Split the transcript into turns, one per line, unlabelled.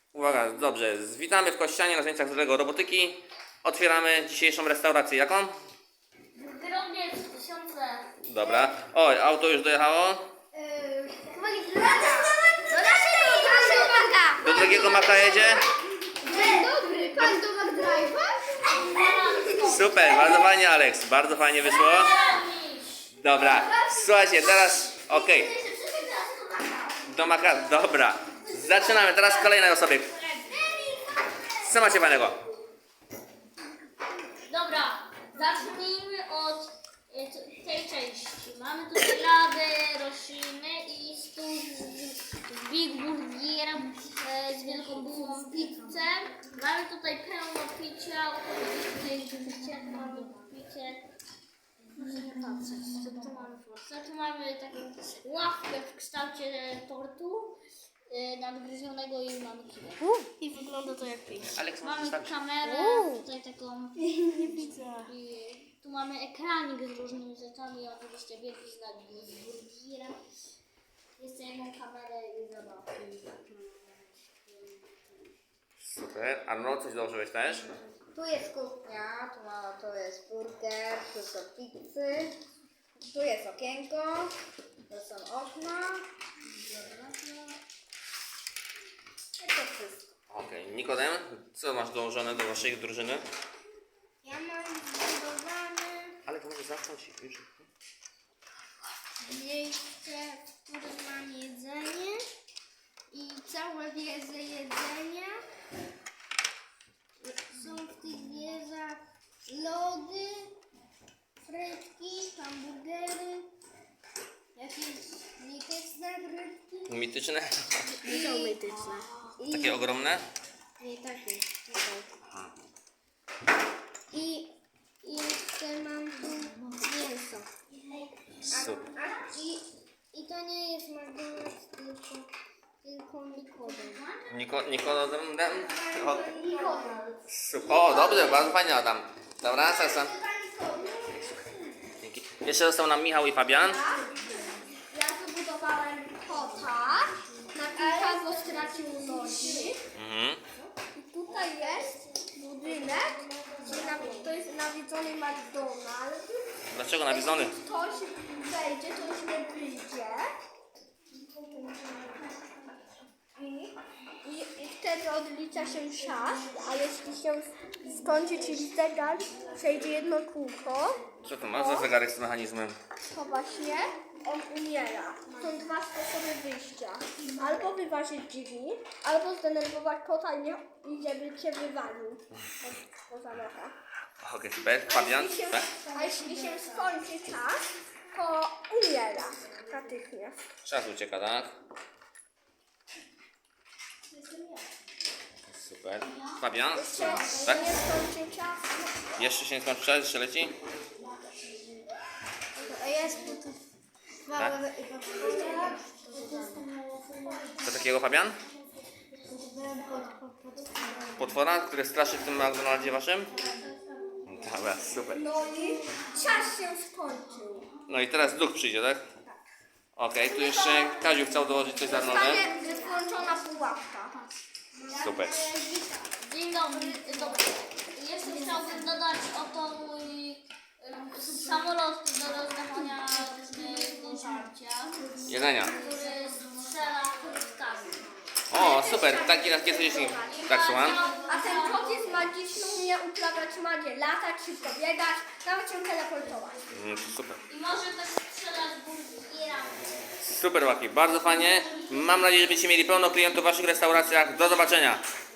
Uwaga, dobrze. Witamy w Kościanie na zajęciach z Lego Robotyki. Otwieramy dzisiejszą restaurację. Jaką?
Grobiec 1000.
Dobra. Oj, auto już dojechało.
Do naszego banka.
Do drugiego maka jedzie.
Dzień dobry, pan do McDrive'a?
Super, bardzo fajnie, Alex. Bardzo fajnie wyszło. Dobra. Słuchajcie, teraz... Okej. Do maka... Dobra. Zaczynamy. Teraz kolejne osoby. Co macie fajnego?
Dobra, zacznijmy od tej części. Mamy tutaj lawę, rośliny i stół z Big Burgerem, z wielką bułą pizzę. Mamy tutaj pełno picia, oczywiście tutaj picie, mamy picie. Muszę nie patrzeć, co tu mamy w Polsce. Tu mamy taką ławkę w kształcie tortu nadgryzionego i mamy kiwę. I wygląda to jak pięknie.
Alex,
Mamy kamerę, tutaj taką. Nie widzę. I tu mamy ekranik z różnymi rzeczami, oczywiście wielki znak burgerem. Jeszcze jedną kamerę i zabawki.
Super. Arno, coś dołożyłeś też?
Tu jest kuchnia, to jest burger, tu są pizzy, tu jest okienko, to są okna. I to wszystko.
Okej. Nikodem, co masz dołożone do waszej drużyny?
Ja mam zbudowane
Ale to może zamknąć już.
miejsce, w którym mam jedzenie i całe wieże jedzenia. Są w tych wieżach lody, frytki, hamburgery, jakieś mityczne frytki.
Mityczne?
Nie są mityczne.
Takie ogromne?
Nie takie. I jeszcze mam tu mięso.
Super.
I to nie jest McDonald's, tylko Nikodem.
Nikodem? O,
Nikodem.
super. O, dobrze, bardzo fajnie, Adam. Dobra, Sasa. Dzięki. Jeszcze został nam Michał i Fabian.
Ja zbudowałem kota na kilka, bo stracił nogi.
Mhm.
I tutaj jest budynek, to jest nawiedzony McDonald's.
Dlaczego nawiedzony?
Jeśli ktoś wejdzie, to już nie wyjdzie. I wtedy odlicza się czas, a jeśli się skończy, czyli zegar, przejdzie jedno kółko,
Co to ma za zegarek z mechanizmem?
to właśnie on umiera. Są dwa sposoby wyjścia. Albo wyważyć drzwi, albo zdenerwować kota i żeby cię wywalił poza locha.
Okej, super. Fabian? Tak?
A jeśli się skończy czas, to umiera natychmiast.
Czas ucieka, tak? Super. Fabian? Tak?
Nie skończy czas.
Jeszcze się nie skończy czas? Jeszcze leci?
A jest tu
Tak? Co takiego, Fabian? Potwora, który straszy w tym McDonaldzie waszym? Dobra, super.
No i czas się skończył.
No i teraz duch przyjdzie, tak? Okej, tu jeszcze Kaziu chciał dołożyć coś z Arnoldem.
Jest włączona pułapka.
Super.
Dzień dobry. Dobra. Jeszcze chciałbym dodać oto mój samolot do rozdawania do żarcia,
Jedzenia.
który strzela kulkami.
O, super. Taki raz kiedyś tak, słucham.
A ten kot jest magiczny, umie uprawiać magię, latać, szybko biegać, nawet się teleportować.
Super.
I może też strzelać burgerami.
Super, Łaki. Bardzo fajnie. Mam nadzieję, że będziecie mieli pełno klientów w waszych restauracjach. Do zobaczenia.